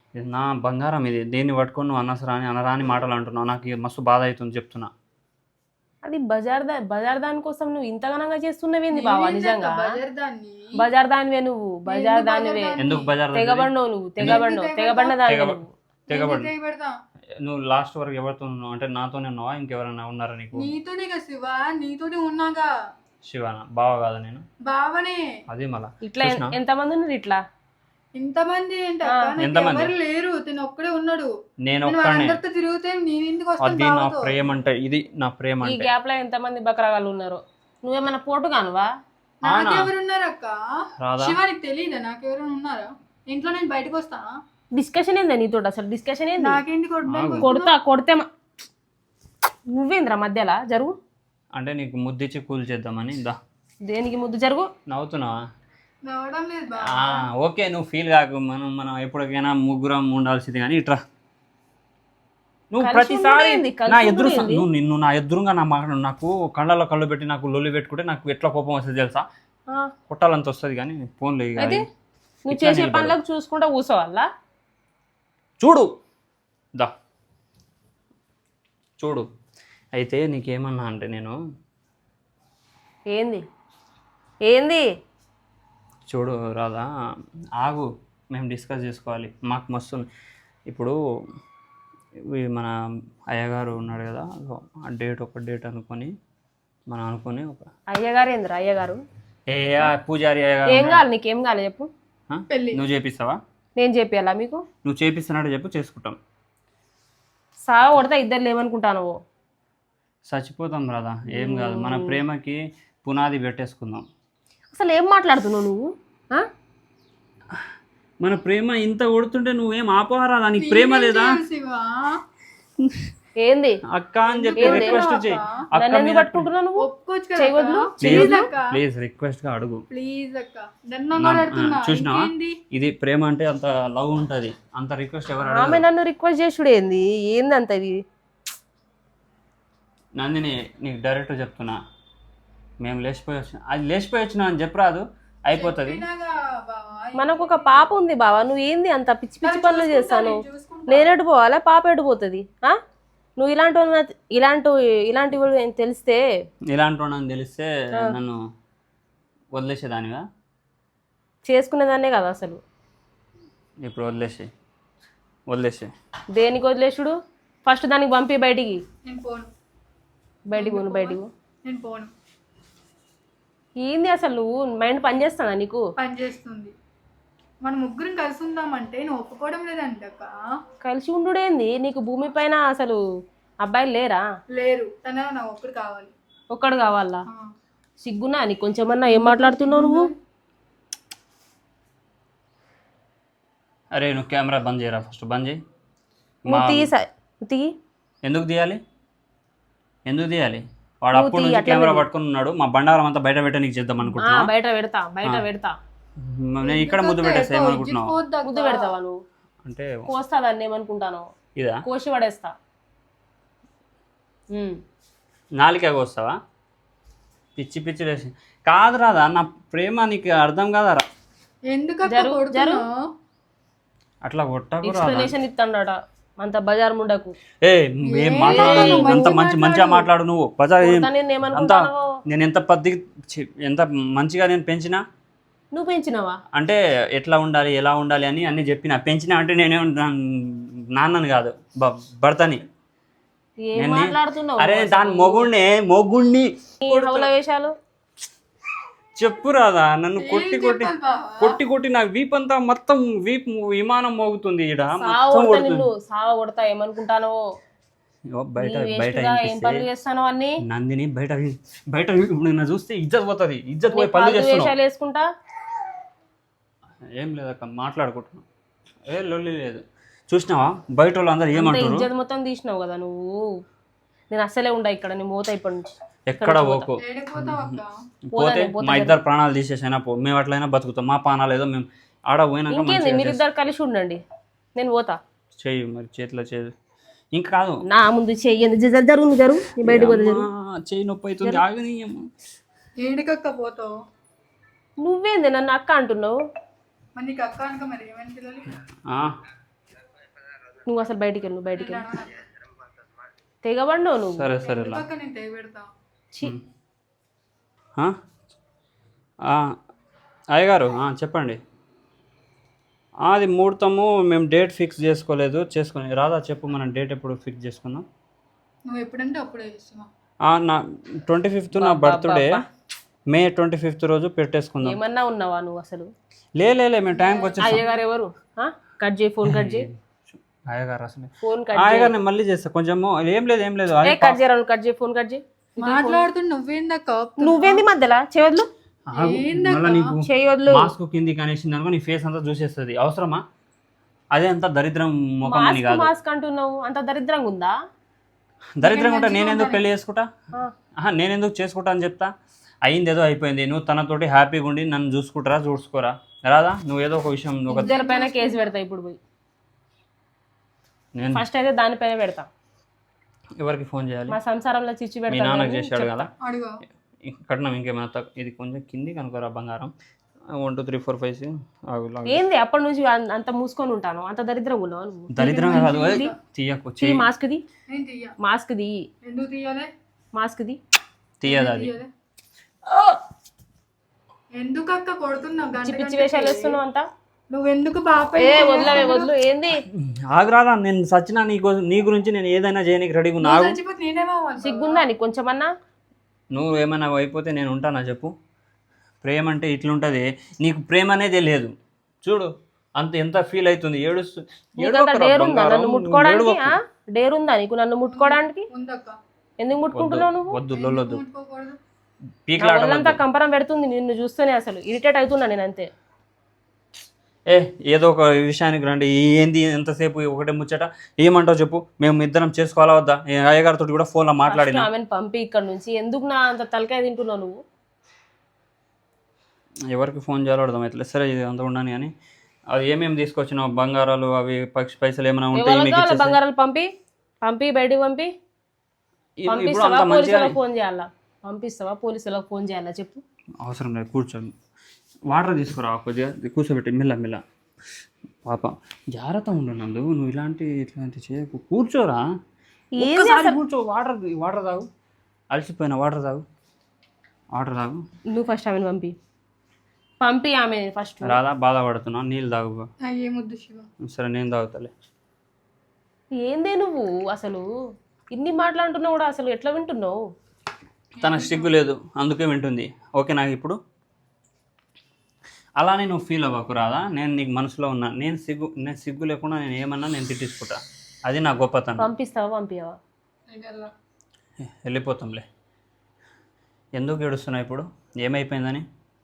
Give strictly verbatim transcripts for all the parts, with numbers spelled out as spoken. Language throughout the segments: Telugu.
ఇది నా బంగారం, ఇది దేన్ని పట్టుకొని నువ్వు అనసరాని అనరాని మాటలు అంటున్నావు. నాకు ఇది మస్తు బాధ అవుతుంది చెప్తున్నా. అది బజార్ దా బజార్ దాని కోసం నువ్వు ఇంతగానంగా చేస్తున్నవేంది బావా? నిజంగా బజార్ దాన్ని బజార్ దానివే నువ్వు, బజార్ దానివే. ఎందుకు బజార్ దగ్గర? తెగబడినవు నువ్వు, తెగబడినవు, తెగబడిన దానివే నువ్వు. తెగబడి తెగ పెడతా. నువ్వు లాస్ట్ వరకు ఎవరితో ఉన్నావు? అంటే నాతోనే ఉన్నావా, ఇంకెవరైనా ఉన్నారా నీకు? నీతోనే కదా శివ, నీతోనే ఉన్నాగా. శివాన బావ కాదా నేను? బావనే. అదే మళ్ళా ఇట్లా ఎన్- ఎంతమంది ఉన్నారు ఇట్లా? ఇంతమంది ఏంటి అక్క? నాకు ఎంతమంది? ఎవరు లేరు, తిను ఒక్కడే ఉన్నాడు. నేను నేను ఒక్కనే. అందరితో తిరిగితే నేను ఎందుకు అది వస్తాను నా బావతో? ప్రేమ అంటే, ఇది నా ప్రేమ ఈ అంటే. గ్యాప్ లో ఎంతమంది బకరాగాలు ఉన్నారు? నువ్వేమన్నా పోటు కానువా? నాకెవరు ఉన్నారు అక్క? రాదా? శివ నీకు తెలియదా నాకెవరు ఉన్నారా? ఇంట్లో నేను బయటకు వస్తానా? డిస్కషన్ ఏందా నీతో? అసలు డిస్కషన్ ఏంది? నాకేంటి కొట్టడానికి కొడతా కొడితే మ- నువ్వేంద్రా మధ్యలో జరుగు. అంటే నీకు ముద్దిచ్చి కూల్ చేద్దామని. దా దేనికి ముద్దు జరుగు. నవ్వుతున్నావా? రావడం లేదు బా. ఆ, ఓకే, నువ్వు ఫీల్ కాకు. మనం మనం ఎప్పటికైనా ముగ్గురం ఉండాల్సింది. కానీ ఇట్రా నువ్వు కలిసి ప్రతిసారి ఉండేది, కలిసి నా ఎదురు ఉండేది. నువ్వు నిన్ను నా ఎదురుగా నా మాట నాకు కళ్ళలో కళ్ళు పెట్టి నాకు లొల్లి పెట్టుకుంటే నాకు ఎట్లా కోపం వస్తుంది తెలుసా? ఆ, కొట్టాలంత వస్తుంది. కానీ ఫోన్లో ఇక అయితే నువ్వు ఇట్లా చేసే నిలబడు. పనులకు చూసుకుంటా కూర్చోవాలా? చూడు, దా చూడు. అయితే నీకేమన్నా అంటే నేను ఏంది ఏంది? చూడు రాదా, ఆగు, మేము డిస్కస్ చేసుకోవాలి. మాకు మస్తు ఇప్పుడు ఈ మన అయ్యగారు ఉన్నాడు కదా, ఆ డేట్ ఒక డేట్ అనుకొని మనం అనుకొని ఒక అయ్యగారు ఏందిరా అయ్యగారు? ఏ ఆ పూజారి అయ్యగారు ఏం కావాలి నీకేం కావాలి చెప్పు. ఆ? పెళ్ళి. నువ్వు చేపిస్తావా? నేను చెప్పాలా మీకు? నువ్వు చేపిస్తున్నాడు చెప్పు, చేసుకుంటాం. సావ కొడతా ఇద్దరు లేవనుకుంటాను. చచ్చిపోతాం రాదా, ఏం కాదు. మన ప్రేమకి పునాది పెట్టేసుకుందాం. అసలు ఏం మాట్లాడుతున్నావు నువ్వు? ఆ? మన ప్రేమ ఇంత కొడుతుంటే నువ్వేం ఆపరాదా? నీకు ప్రేమ లేదా? శివ ఏంది అక్క అని చెప్పి రిక్వెస్ట్ చేయి. అక్క నన్ను ఎందుకు మీద పట్టుకుంటున్నావు నువ్వు? ఒప్పుకోవచ్చు కదా చేయవద్దు. అక్క? ప్లీజ్ అక్క, ప్లీజ్ రిక్వెస్ట్ గా అడుగు. ప్లీజ్ అక్క, నన్ను మాట్లాడుతున్నా. చూసినావా, ఇంకేంది? ఇది ప్రేమ అంటే అంత లవ్ ఉంటది. అంత రిక్వెస్ట్ ఎవరు ఆమె అడగరు. నన్ను రిక్వెస్ట్ చేసుడు ఏంది? ఏంది అంత ఇది? నందిని నీకు డైరెక్ట్ చెప్తున్నా, మేము లేచిపోయి వచ్చిన అది లేచిపోయి వచ్చినా అని చెప్పరాదు, అయిపోతుంది. వినాగా బావా, మనకు ఒక పాప ఉంది బావా, నువ్వు ఏంది అంత పిచ్చి పిచ్చి పనులు చేస్తాను? చూసుకుంటా. నేనెటు పోవాలా? పాప ఎటు పోతుంది? ఆ? నువ్వు ఇలాంటి వాళ్ళని- ఇలాంటి ఇలాంటి వాళ్ళు ఏం తెలిస్తే ఇలాంటి వాడిని తెలిస్తే నన్ను వదిలేసేదానిగా. చేసుకునేదాన్నే కదా అసలు. ఇప్పుడు వదిలేసి వదిలేసి దేనికి వదిలేసుడు? ఫస్ట్ దానికి పంపి బయటికి. నేను పోను, బయటికి పోను బయటికి పో. నేను పోను. ఏంది అసలు నువ్వు మైండ్ పని చేస్తానా నీకు? పని చేస్తుంది. మన ముగ్గురం కలిసి ఉందామంటే నువ్వు ఒప్పుకోవడం లేదంట అక్క. కలిసి ఉండుడేంది? నీకు భూమి పైన అసలు అబ్బాయిలు లేరా? లేరు, తన నా ఒక్కడు కావాలి. ఒక్కడు కావాలా? ఆ. సిగ్గునా నీకు కొంచెమన్నా? ఏం మాట్లాడుతున్నావు నువ్వు? అరే నువ్వు కెమెరా బంద్ చేయరా, ఫస్ట్ బంద్ చేయి. నువ్వు తీయి సా- తీయి. ఎందుకు తీయాలి? ఎందుకు తీయాలి? వాడు అప్పుడు నుంచి కెమెరా పట్టుకుని ఉన్నాడు. మా బండారం అంతా బయట పెట్ట నీకు చేద్దాం ఆ, అనుకుంటున్నా. బయట పెడతా బయట పెడతా. నేను ఇక్కడ ముద్దు పెట్టేస్తా ఏమనుకుంటున్నావు? పోద్దా అక్క? ముద్దు పెడతావా నువ్వు? అంటే కోస్తా దాన్ని ఏమనుకుంటాను? ఇదా కోసి పడేస్తా. ఉమ్. నాలుకే వస్తావా? పిచ్చి పిచ్చి లేచి కాదు రాదా, నా ప్రేమ నీకు అర్థం కాదా రా? ఎందుకు అక్క జరు- కొడుతున్నావు? అట్లా కొట్టకు రాదా. ఎక్స్ప్లెనేషన్ ఇస్తాడట అంత బజార్ ముండకు. ఏ ఏం మాట్లాడు, అంత మంచి మంచిగా మాట్లాడు నువ్వు. బజార్ ఏం- నేను అంత ఏమనుకుంటాను? నేను ఎంత పద్ధతి చి- ఎంత మంచిగా నేను పెంచినా నువ్వు పెంచినావా? అంటే ఎట్లా ఉండాలి ఎలా ఉండాలి అని అన్ని చెప్పిన. పెంచినా అంటే నేనే నాన్నని కాదు బ- భర్తని. ఏం నేను- మాట్లాడుతున్నావు? అరే దాని మొగుడిని మొగుడిని ఈ హౌల వేషాలు చెప్పు రాదా. నన్ను కొట్టి కొట్టి చెప్పాలి బావా? కొట్టి కొట్టి నాకు వీప్ అంతా మొత్తం వీప్ విమానం మోగుతుంది ఈడ సావ మొత్తం కొడతా కొడుతుంది. నిన్ను సావ కొడతా. ఏమనుకుంటానో? ఇగో బయట నీ బయట వేస్ట్గా ఏం వినిపిస్తే పనులు చేస్తానో అన్ని నందిని బయట వి- బయట వి- ఇప్పుడు నిన్ను చూస్తే ఇజ్జత్ పోతుంది. ఇజ్జత్ పోయి పనులు పాలు చేస్తున్నావు. వేషాలు వేసుకుంటా. ఏం లేదక్క మాట్లాడుకుంటున్నావు. ఏ లొల్లి లేదు. చూసినావా బయట వాళ్ళు అందరు అంత ఏమంటారు? ఇజ్జత్ మొత్తం తీసినావు కదా నువ్వు. నేను అస్సలే ఉండా ఇక్కడ. నేను పోతా ఇప్పటి నుంచి. ఎక్కడ పోకు. ఏడిపోతావు అక్క? పోతే మా ఇద్దరు ప్రాణాలు తీసేసైనా పో. మేము అట్లయినా బతుకుతాం. మా ప్రాణాలు ఏదో మేము ఆడ పోయినాక ఇంకేంది మంచిగా మీరిద్దరు కలిసి ఉండండి. నేను పోతా. చెయ్యి మరి చేతిలో చేయి. ఇంకా కాదు నా ముందు చెయ్యండి. జరుగు జరుగు నీ బయటకు పోతా జరుగు. అమ్మా, చెయ్యి నొప్పి అవుతుంది. ఆగనీయమ్మా. ఏడికక్క పోతావు? నువ్వేంది నన్ను అక్క అంటున్నావు? మరి నీకు అక్క అనక మరి ఏమని పిల్లలు? ఆ, నువ్వు అసలు బయటికి వెళ్ళు నువ్వు బయటికి వెళ్ళు తెగబడినావు నువ్వు సరే సరే లా. పక్క నేను తెగి పెడతా. ఛీ, ఆ? ఆ, అయ్యగారు ఆ, చెప్పండి. ఆ, అది ముహూర్తము మేము డేట్ ఫిక్స్ చేసుకోలేదు చేసుకుని రాదా చెప్పు మనం డేట్ ఎప్పుడు ఫిక్స్ చేసుకున్నాం. నువ్వు ఎప్పుడంటే అప్పుడే చేస్తున్నా. ఆ, నా ట్వంటీ ఫిఫ్త్ నా బర్త్డే మే ట్వంటీ ఫిఫ్త్ రోజు పెట్టేసుకుందాం. ఏమన్నా ఉన్నావా నువ్వు అసలు? లే లే లే, మేము టైంకి వచ్చేసాం. అయ్యగారు ఎవరు? ఆ? కట్ చేయి, ఫోన్ కట్ చేయి, అయ్యగారు అసలు ఫోన్ కట్ అయ్యగారు నేను మళ్ళీ చేస్తా కొంచెం. ఏం లేదు ఏం లేదు ఏ కట్ చేయరా నువ్వు, కట్ చేయి, ఫోన్ కట్ చేయి. మాట్లాడుతున్నా నువ్వేందక్క? నువ్వేంది మధ్యలో చేయొద్దు ఆగు. మళ్ళా నీకు చేయొద్దు. మాస్క్ కిందికి అనేసింది అనుకో నీ ఫేస్ అంతా చూసేస్తుంది. అవసరమా? అదే అంత దరిద్రం ముఖం అని మాస్క్ కాదు. మాస్క్ అంటున్నావు, అంత దరిద్రంగా ఉందా? దరిద్రంగా ఉంటా నేనెందుకు పెళ్లి చేసుకుంటా? ఆ. ఆహా, నేనెందుకు చేసుకుంటా అని చెప్తా. అయింది ఏదో అయిపోయింది. నువ్వు తనతోటి హ్యాపీగా ఉండి నన్ను చూసుకుంటారా చూసుకోరా రాదా? నువ్వు ఏదో ఒక విషయం ఒక ఇద్దరి పైన కేసు పెడతా ఇప్పుడు పోయి. నేను ఫస్ట్ అయితే దానిపైన పెడతా. ఎవరికి ఫోన్ చేయాలి? మా సంసారంలో చిచ్చు మీ పెడతా. నాన్నకు చేసాడు కదా అడుగు. కట్నం ఇంకేమైనా తక్కువ. ఇది కొంచెం కింది కనుకోరా బంగారం. One two three four five six. ఏంది అప్పటి నుంచి అం- అంత మూసుకొని ఉంటాను, అంత దరిద్రంగా ఉన్నావు నువ్వు. దరిద్రంగా కాదు ఓయ్, తీయకు తీ మాస్క్ ది, నేను తీయ. మాస్క్ ది, ఎందుకు తీయాలి? Mask the. తీయదు అది. తీయాలి. ఎందుకు అక్క కొడుతున్నావు? గంట పిచ్చి గంటకి? వేషాలు వేస్తున్నావు అంతా. నువ్వెందుకు బాపై ఏ వదిలే వదిలు. ఏంది ఆగురాదా, నేను సచ్చినా నీ కోసం నీ గురించి నేను ఏదైనా చేయడానికి రెడీగా ఉన్నా. ఆగు. చచ్చిపోతే నేనేమవ్వాలి? సిగ్గుందా నీకు కొంచెమన్నా? నువ్వు ఏమైనా అయిపోతే నేను ఉంటానా చెప్పు? ప్రేమ అంటే ఇట్లుంటుంది. నీకు ప్రేమ అనేది లేదు చూడు. అంత ఎంత ఫీల్ అవుతుంది ఏడుస్తూ. నీకంత డేర్ ఉందా నన్ను ముట్టుకోవడానికి? డేర్ ఉందా నీకు నన్ను ముట్టుకోవడానికి? ఉందక్క. ఎందుకు ముట్టుకుంటున్నావు నువ్వు? వద్దు లొల్లొద్దు. ముట్టుకోకూడదు. పీక్లాట వాళ్ళంతా కంపరం పెడుతుంది నిన్ను చూస్తేనే. అసలు ఇరిటేట్ అవుతున్నా నేను అంతే. ఏ ఏదో ఒక విషయానికి రండి. ఏంది ఎంతసేపు ఒకటే ముచ్చట? ఏమంటావు చెప్పు? మేము ఇద్దరం చేసుకోవాలా వద్దా? ఏ అయ్యగారితో కూడా ఫోన్లో మాట్లాడినా. ఆమెను పంపి ఇక్కడ నుంచి. ఎందుకు నా అంత తలకాయ తింటున్నావు నువ్వు? ఎవరికి ఫోన్ చేయాలో అర్థమవుతలేదు. సరే ఇది అంత ఉండని అని అది ఏమేమి తీసుకొచ్చినావు? బంగారాలు అవి పక్షి పైసలు ఏమైనా ఉంటే ఎవరికి మీకు కావాలా ఇచ్చేసేయ్. బంగారాలు? పంపి పంపి బయటికి పంపి. ఇప్పుడు పంపిస్తావా అంత మంచిగా పోలీసులకు ఫోన్ చేయాలా? పంపిస్తావా పోలీసులకు ఫోన్ చేయాలా చెప్పు? అవసరం లేదు కూర్చోండి. వాటర్ తీసుకురా కొద్దిగా కూర్చోబెట్టి మెల్ల మెల్ల. పాప జాగ్రత్త ఉండు నందు. నువ్వు ఇలాంటి ఇట్లాంటి చేయకు. కూర్చోరా, ఒక్కసారి కూర్చో. వాటర్ వాటర్ తాగు. అలసిపోయిన వాటర్ తాగు. వాటర్ తాగు. నువ్వు ఫస్ట్ ఆమెను పంపి పంపి ఆమె ఫస్ట్. రాదా బాధపడుతున్నా? నీళ్ళు తాగు. ఏమొద్దు శివ. సరే నేను తాగుతాలే. ఏందే నువ్వు అసలు ఇన్ని మాట్లాడుతున్నావు కూడా అసలు ఎట్లా వింటున్నావు? తన సిగ్గు లేదు అందుకే వింటుంది. ఓకే నాకు ఇప్పుడు అలానే నువ్వు ఫీల్ అవ్వకు రాదా. నేను నీకు మనసులో ఉన్నా. నేను సిగ్గు నేను సిగ్గు లేకుండా నేను ఏమన్నా నేను తిట్టించుకుంటా. అది నా గొప్పతనం. పంపిస్తావా పంపియవా? వెళ్ళిపోతాంలే. ఎందుకు ఏడుస్తున్నావు ఇప్పుడు? ఏమైపోయిందని?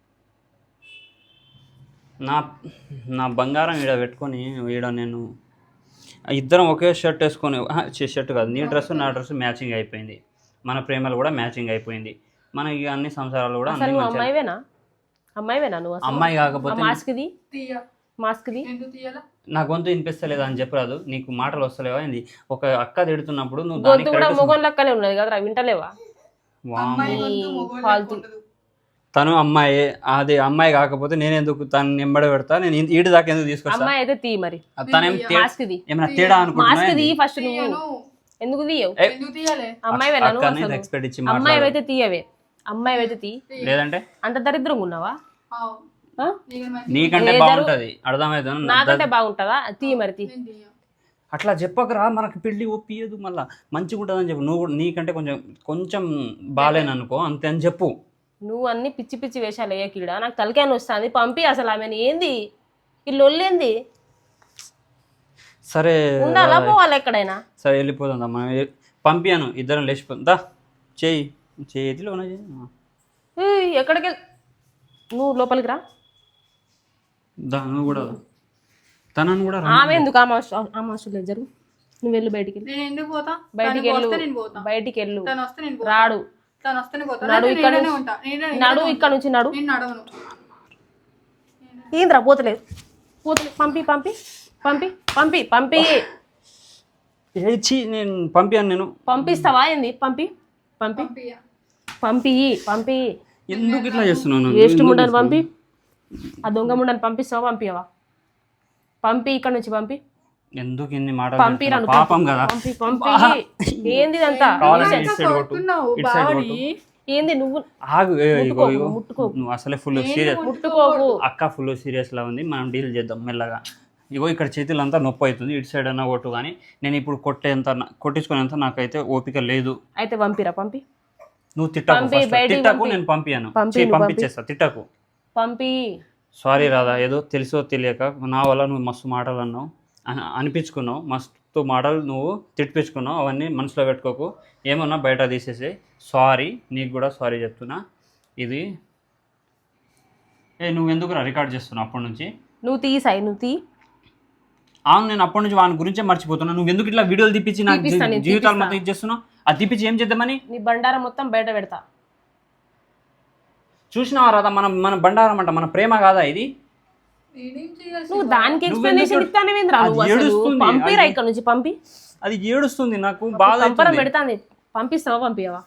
నా నా బంగారం ఈడ పెట్టుకొని ఈడ నేను ఇద్దరం ఒకే షర్ట్ వేసుకొని షర్ట్ కాదు నీ డ్రెస్ నా డ్రెస్ మ్యాచింగ్ అయిపోయింది. మన ప్రేమలు కూడా మ్యాచింగ్ అయిపోయింది. మన ఇక అన్ని సంసారాలు కూడా అసలు అన్ని నువ్వు మంచిగా. అమ్మాయివేనా? అమ్మాయివేనా నువ్వు? అసలు అమ్మాయి కాకపోతే మాస్క్ ది, తీయ. మాస్క్ ది. ఎందుకు తీయాలా? నా గొంతు వినిపిస్తలేదా అని చెప్పరాదు. నీకు మాటలు వస్తలేవా ఏంది? ఒక అక్క తిడుతున్నప్పుడు నువ్వు దానికి గొంతు కూడా correct మొగం లెక్కలే ఉన్నది కదా, వింటలేవా? వామ్మో. అమ్మాయి గొంతు మగవాళ్ళకి ఫాల్తు. ఉండదు. తను అమ్మాయి. అది అమ్మాయి కాకపోతే నేను ఎందుకు తను నింబడ పెడతా? నేను ఇంటి- ఈడి దాకా ఎందుకు తీసుకొస్తా? అమ్మాయి అయితే తీ మరి. తనేం తే- మాస్క్ ది, ఏమైనా తేడా అనుకుంటున్నా మాస్క్ ది ఏంది? ఫస్ట్ నువ్వు. తీయను. ఎందుకు తీయవు? ఎందుకు తీయాలి? అమ్మాయివేనా నువ్వు? అక్కని అసలు రెస్పెక్ట్ ఇచ్చి అమ్మాయి మాట్లాడు. అయితే తీయవే. అమ్మాయి అయితే తీ. లేదంటే అంత దరిద్రంగా ఉన్నావా? ఆవ్. ఆ? నీకు మంచి- నీకంటే ఏ బాగుంటది అర్థమవుతుంది. నాకంటే బాగుంటుందా? తీ మరి తీ. నేను తీయ. అట్లా చెప్పకరా, మనకు పెళ్ళి ఒప్పియదు మళ్ళా మంచిగా ఉంటుందని చెప్పు. నువ్వు కూడా నీకంటే కొంచెం కొంచెం బాగాలేననుకో అంతే అని చెప్పు. నువ్వు అన్ని పిచ్చి పిచ్చి వేషాలు వేయకీడా. నాకు తలకాయని వస్తుంది. పంపి అసలు ఆమెను. ఏంది ఈ లొల్లేంది? సరే ఉండాలా పోవాలి ఎక్కడైనా? సరే వెళ్ళిపోతుందా మనం. పంపియాను ఇద్దరం లేచిపోతుందా. చెయ్యి చేతిలో ఉన్న చెయ్యి. ఏయ్, ఎక్కడికి వెళ్- నువ్వు లోపలికి రా. దా నువ్వు కూడా రా. తనను కూడా రా. ఆమె ఎందుకు? ఆమె అవసరం- ఆమె అవసరం లేదు. జరుగు నువ్వు వెళ్ళు బయటికి వెళ్ళు. నేను ఎందుకు పోతా? బయటికి తను వెళ్ళు వస్తే నేను పోతా. బయటికి వెళ్ళు. తను వస్తే నేను పోతా. రాడు. తను వస్తేనే పోతా. నడు నేను ఇక్కడ ఇక్కడనే నుంచి. ఉంటా. నేను నడు ఇక్కడ నుంచి నడు. నేను నడవను. ఏంద్రా పోతలేదు? పోతలేదు. పంపి పంపి పంపి పంపి పంపి ఏచి నేను పంపియాను నేను. పంపిస్తావా ఏంది? పంపి పంపి పంపియ్య. పంపి పంపి ఎందుకు ఇట్లా చేస్తున్నాను? వేస్ట్ ముండని పంపి. ఆ దొంగ ముండని పంపిస్తావా పంపియవా? పంపి ఇక్కడ నుంచి పంపి. ఎందుకు ఇన్ని మాటలు పంపిరా చెప్తున్నావు? పాపం కదా పంపి పంపి ఏంది ఇదంతా కావాలంటే ఎంత ఇటు సైడ్ కొట్టు కొడుతున్నావు ఇటు సైడ్ బావని కొట్టు ఏంది నువ్వు ఆగు ఏ, ఇగో ముట్టుకోకు, ఇగో ముట్టుకోకు. నువ్వు అసలే ఫుల్ సీరియస్ ముట్టుకోకు అక్క ఫుల్ సీరియస్ లా ఉంది మనం డీల్ చేద్దాం మెల్లగా ఇగో ఇక్కడ చేతులంతా నొప్పి అవుతుంది ఇటు సైడ్ అన్నా కొట్టు కానీ నేను ఇప్పుడు కొట్టేంత నా- కొట్టించుకునేంత నాకైతే ఓపిక లేదు అయితే పంపిరా పంపి నువ్వు తిట్టకు పంపి, first. బయటికి తిట్టకు పంపి. నేను పంపియాను పంపి, చీ, నువ్వు పంపించేస్తా తిట్టకు పంపి సారీ రాధా ఏదో తెలుసో తెలియక నా వల్ల నువ్వు మస్తు మాటలు అన్నావు అని- అనిపించుకున్నావు మస్తు మాటలు నువ్వు తిట్టించుకున్నావు అవన్నీ మనసులో పెట్టుకోకు ఏమన్నా బయట తీసేసి సారీ నీకు కూడా సారీ చెప్తున్నా ఇది ఏ నువ్వు ఎందుకు రికార్డ్ చేస్తున్నావు అప్పటి నుంచి నువ్వు తీ సాయి నువ్వు తీ అవును నేను అప్పటి నుంచి వాని గురించే మర్చిపోతున్నా నువ్వు ఎందుకు ఇట్లా వీడియోలు తీపిచ్చి నాకు తీపిస్తా, జీ- నేను జీవితాలు తీపిస్తా. మొత్తం ఇచ్చేస్తున్నావు అది తీపిచ్చి ఏం చేద్దామని నీ బండారం మొత్తం బయట పెడతా చూసినావా రాదా మన మన బండారం అంట మన ప్రేమ కాదా ఇది నేనేం చేయాలి నువ్వు దానికి నువ్వు ఎక్స్ప్లెనేషన్ ఎందుకు- ఇస్తానేవేంద్రా అది నువ్వు అసలు ఏడుస్తుంది, పంపిరా అది- ఇక్కడ నుంచి పంపి అది ఏడుస్తుంది నాకు బాధ కంపరం అవుతుంది. పెడతాంది పంపిస్తావా పంపియవా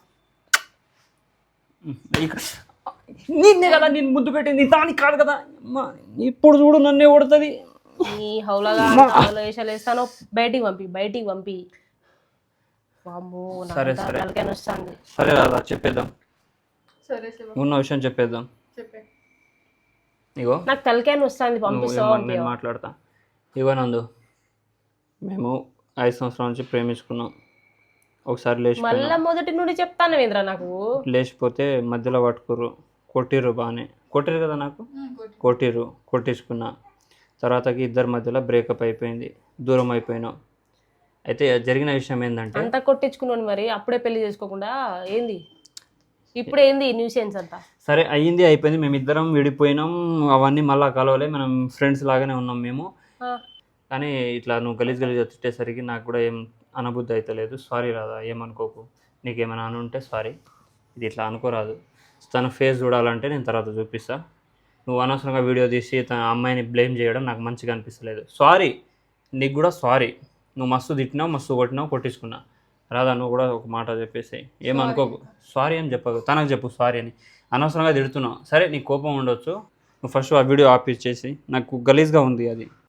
ఇక్కడ నిన్నే కదా నేను ముద్దు పెట్టింది దానికి కాదు కదా అమ్మా, ఇప్పుడు చూడు నన్నే కొడుతుంది నీ హౌలగా హౌల వేషాలు వేస్తానో బయటికి పంపి బయటికి పంపి వామ్మో సరే, నాకు సరే. తలకాయ వస్తుంది సరే రాదా చెప్పేద్దాం సరే శివ ఉన్న విషయం చెప్పేద్దాం చెప్పే ఇగో నాకు తలకాయ వస్తుంది నువ్వు పంపిస్తావా ఏమన్నా నేను పంపియవా మాట్లాడతా ఇగో నందు మేము ఐదు సంవత్సరాల నుంచి ప్రేమించుకున్నాం ఒకసారి లేచిపోయినా మళ్ళా మొదటి నుండి చెప్తానేవేంద్రా నాకు లేచిపోతే మధ్యలో పట్టుకుర్రు కొట్టిర్రు బాగానే కొట్టిర్రు కదా నాకు కొట్టిర్రు కొట్టించుకున్నా తర్వాతకి ఇద్దరి మధ్యలో బ్రేకప్ అయిపోయింది దూరం అయిపోయినాం అయితే జరిగిన విషయం ఏంటంటే అంతా కొట్టించుకున్నాను మరి అప్పుడే పెళ్లి చేసుకోకుండా ఏంది ఇప్పుడు ఏంది న్యూసెన్స్ అంతా సరే అయ్యింది అయిపోయింది మేమిద్దరం విడిపోయినాం అవన్నీ మళ్ళీ కలవలే మనం ఫ్రెండ్స్ లాగానే ఉన్నాం మేము ఆ, కానీ ఇట్లా నువ్వు గలీజ్ గలీజ్ తిట్టేసరికి నాకు కూడా ఏం అనబుద్ధి అవుతలేదు సారీ రాదా ఏమనుకోకు నీకేమైనా అని ఉంటే సారీ ఇది ఇట్లా అనుకోరాదు తన ఫేస్ చూడాలంటే నేను తర్వాత చూపిస్తా నువ్వు అనవసరంగా వీడియో తీసి తన అమ్మాయిని బ్లేమ్ చేయడం నాకు మంచిగా అనిపిస్తలేదు సారీ నీకు కూడా సారీ నువ్వు మస్తు తిట్టినావు మస్తు కొట్టినావు కొట్టించుకున్నా రాదా నువ్వు కూడా ఒక మాట చెప్పేసి ఏమనుకోకు సారీ అని చెప్పకు తనకు చెప్పు సారీ అని అనవసరంగా తిడుతున్నావు సరే నీకు కోపం ఉండొచ్చు నువ్వు ఫస్ట్ ఆ వీడియో ఆఫ్ చేసి నాకు గలీజ్గా ఉంది అది